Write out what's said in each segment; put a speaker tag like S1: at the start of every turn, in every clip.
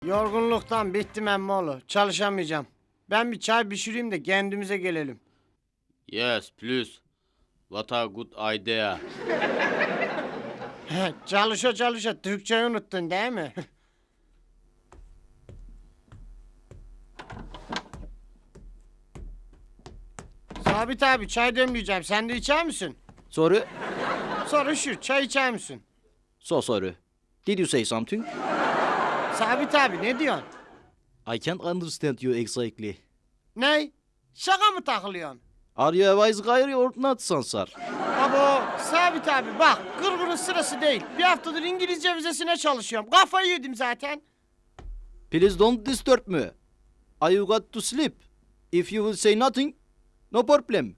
S1: Yorgunluktan bittim emmoğlu. Çalışamayacağım. Ben bir çay pişireyim de kendimize gelelim.
S2: Yes, please. What a good idea.
S1: Çalışa Türkçeyi unuttun değil mi? Sabit abi çay demleyeceğim. Sen de içer misin?
S3: Sorry.
S1: Soru şu, çay içer misin?
S3: So sorry. Did you say something?
S1: Sabit abi ne diyorsun?
S3: I can't understand you exactly.
S1: Ne? Şaka mı takılıyorsun?
S3: Are you a wise guy or not, Sansar?
S1: Abo Sabit abi bak gırgırın sırası değil. Bir haftadır İngilizce vizesine çalışıyorum. Kafayı yedim zaten.
S3: Please don't disturb me. I got to sleep. If you will say nothing, no problem.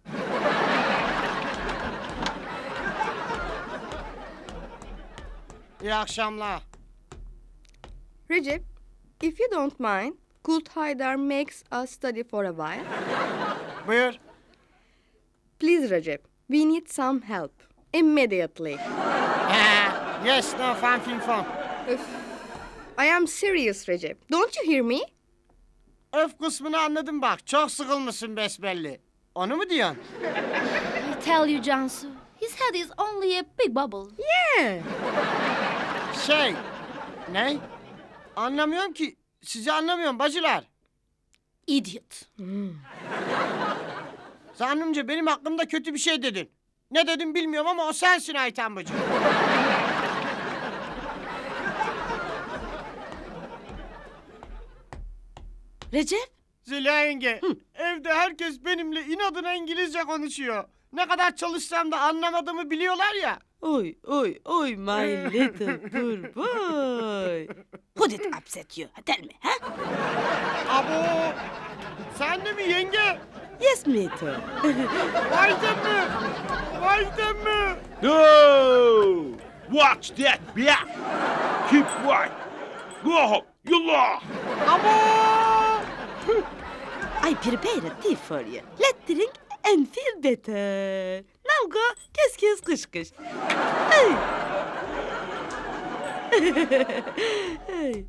S1: İyi akşamlar.
S4: Recep, if you don't mind, could Haydar makes us study for a while?
S1: Buyur.
S4: Please, Recep, we need some help. Immediately.
S1: Yes, no fun fin fun.
S4: I am serious, Recep. Don't you hear me?
S1: Öf kısmını anladım bak. Çok sıkılmışsın besbelli. Onu mu diyorsun?
S5: I tell you, Cansu, his head is only a big bubble.
S4: Yeah.
S1: Şey. Ne? Anlamıyorum ki. Sizi anlamıyorum bacılar.
S5: Idiot.
S1: Zannımca benim hakkımda kötü bir şey dedin. Ne dedim bilmiyorum ama o sensin Ayten bacı.
S5: Recep?
S1: Zeliha yenge. Evde herkes benimle inadına İngilizce konuşuyor. Ne kadar çalışsam da anlamadığımı biliyorlar ya.
S6: Oy, my little poor boy. Who did upset you? Tell me, huh?
S1: Abo. Sen de mi yenge?
S6: Yes, me too.
S1: Ayten mi? Ayten mi?
S2: No! Watch that back! Keep quiet! Go home! Yallah!
S1: Abo.
S6: I prepared a tea for you. Let's drink and feel better. Now go, kiss, kış kış. Hey. Hey.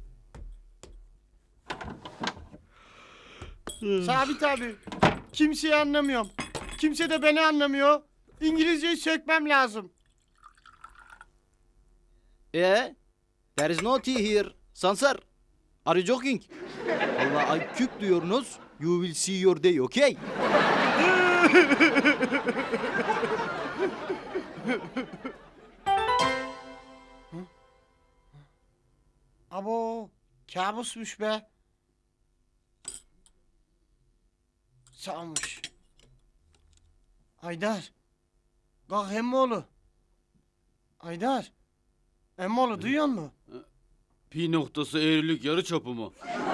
S1: Sabit abi. Kimseyi anlamıyorum. Kimse de beni anlamıyor. İngilizceyi sökmem lazım.
S3: There is no tea here. Sansar, are you joking? Allah, I cook diyorsunuz. You will see your day, okay?
S1: Abo. Kabusmuş be. Sağmış. Haydar. Kalk emmoğlu. Haydar. Emmoğlu duyuyor musun?
S2: Pi noktası eğrilik yarı çapı mı?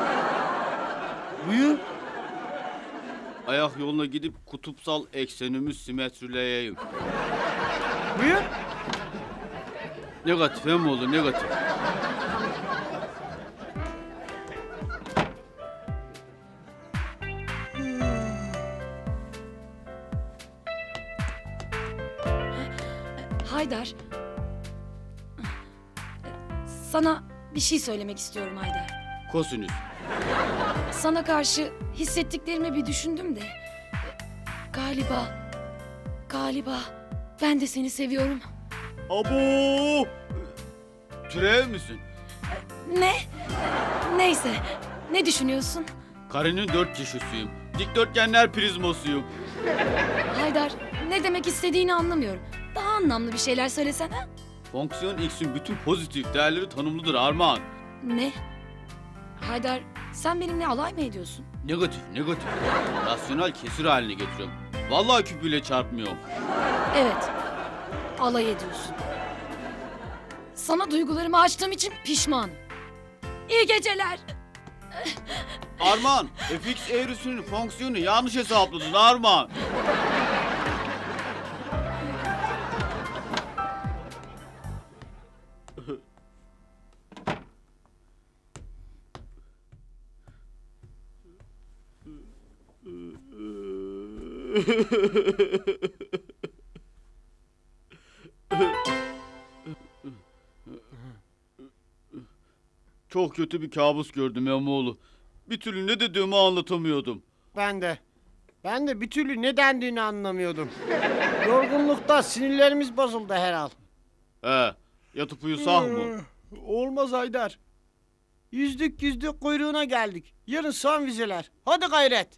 S1: Buyur.
S2: Ayak yoluna gidip kutupsal eksenimi simetrileyeyim.
S1: Buyur.
S2: Negatif hem olur negatif.
S7: Haydar. Sana bir şey söylemek istiyorum Haydar.
S2: Kosinüs.
S7: Sana karşı hissettiklerimi bir düşündüm de. Galiba ben de seni seviyorum.
S2: Abo! Türev misin?
S7: Ne? Neyse. Ne düşünüyorsun?
S2: Karenin 4 kişisiyim. Dikdörtgenler prizmasıyım.
S7: Haydar, ne demek istediğini anlamıyorum. Daha anlamlı bir şeyler söylesene.
S2: Fonksiyon x'in bütün pozitif değerleri tanımlıdır Armağan.
S7: Ne? Haydar, sen benimle alay mı ediyorsun?
S2: Negatif. Rasyonel kesir haline getiriyorum. Vallahi küpüyle çarpmıyorum.
S7: Evet, alay ediyorsun. Sana duygularımı açtığım için pişmanım. İyi geceler.
S2: Armağan, fx eğrisinin fonksiyonu yanlış hesapladın Armağan. Çok kötü bir kabus gördüm Emoğlu. Bir türlü ne dediğimi anlatamıyordum.
S1: Ben de. Ben de bir türlü ne dendiğini anlamıyordum. Yorgunlukta sinirlerimiz bozuldu herhal.
S2: He, yatıp uyusak mı?
S1: Olmaz Haydar. Yüzdük kuyruğuna geldik. Yarın son vizeler. Hadi gayret.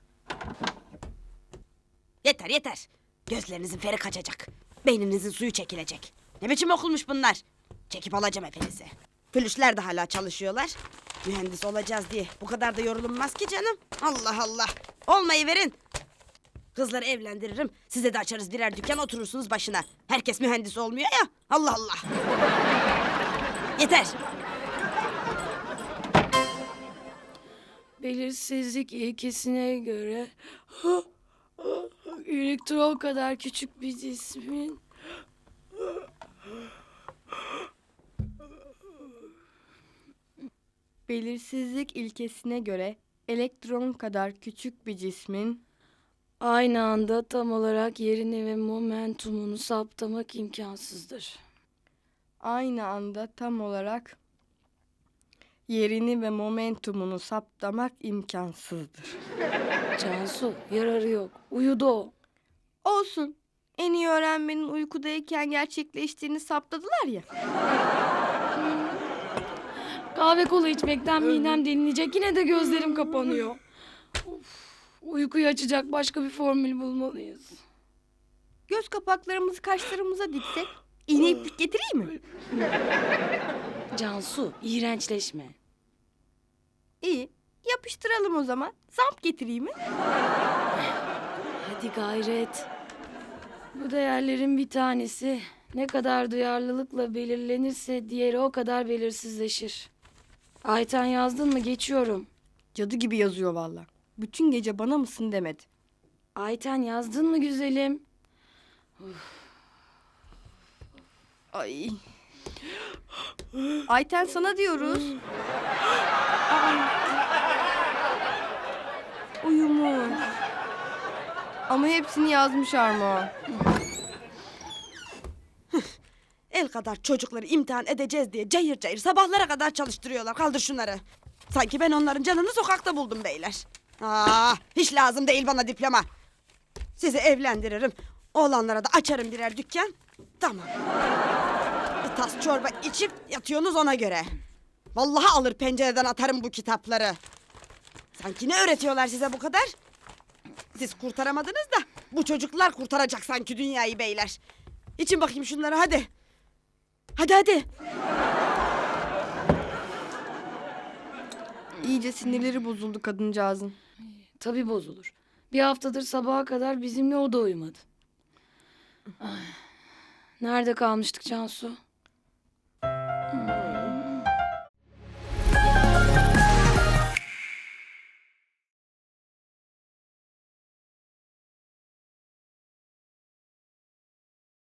S6: Yeter yeter. Gözlerinizin feri kaçacak. Beyninizin suyu çekilecek. Ne biçim okulmuş bunlar? Çekip alacağım hepinizi. Flüşler de hala çalışıyorlar. Mühendis olacağız diye bu kadar da yorulunmaz ki canım. Allah Allah. Olmayı verin. Kızları evlendiririm. Size de açarız birer dükkan, oturursunuz başına. Herkes mühendis olmuyor ya. Allah Allah. Yeter.
S7: Belirsizlik ilkesine göre elektron kadar küçük bir cismin
S4: Belirsizlik ilkesine göre elektron kadar küçük bir cismin
S7: aynı anda tam olarak yerini ve momentumunu saptamak imkansızdır.
S4: aynı anda tam olarak yerini ve momentumunu saptamak imkansızdır.
S7: Cansu, yararı yok. Uyudu o.
S4: Olsun. En iyi öğrenmenin uykudayken gerçekleştiğini saptadılar ya.
S7: Kahve kola içmekten midem delinecek. Yine de gözlerim kapanıyor. Of, uykuyu açacak başka bir formül bulmalıyız.
S4: Göz kapaklarımızı kaşlarımıza diksek iğne iplik getireyim mi?
S7: Cansu, iğrençleşme.
S4: İyi. Yapıştıralım o zaman. Zamp getireyim mi?
S7: Hadi gayret. Bu değerlerin bir tanesi ne kadar duyarlılıkla belirlenirse diğeri o kadar belirsizleşir. Ayten yazdın mı? Geçiyorum.
S4: Cadı gibi yazıyor valla. Bütün gece bana mısın demedi.
S7: Ayten yazdın mı güzelim?
S4: Ay. Ayten sana diyoruz. Uyumuş. Ama hepsini yazmış Armağan.
S6: El kadar çocukları imtihan edeceğiz diye cayır cayır sabahlara kadar çalıştırıyorlar. Kaldır şunları. Sanki ben onların canını sokakta buldum beyler. Hiç lazım değil bana diploma. Sizi evlendiririm. Oğlanlara da açarım birer dükkan. Tamam. Bir tas çorba içip yatıyorsunuz ona göre. Vallahi alır pencereden atarım bu kitapları. Sanki ne öğretiyorlar size bu kadar? Siz kurtaramadınız da bu çocuklar kurtaracak sanki dünyayı beyler. İçin bakayım şunları hadi. Hadi.
S4: İyice sinirleri bozuldu kadıncağızın.
S7: Tabii bozulur. Bir haftadır sabaha kadar bizimle o da uyumadı. Ay. Nerede kalmıştık Cansu?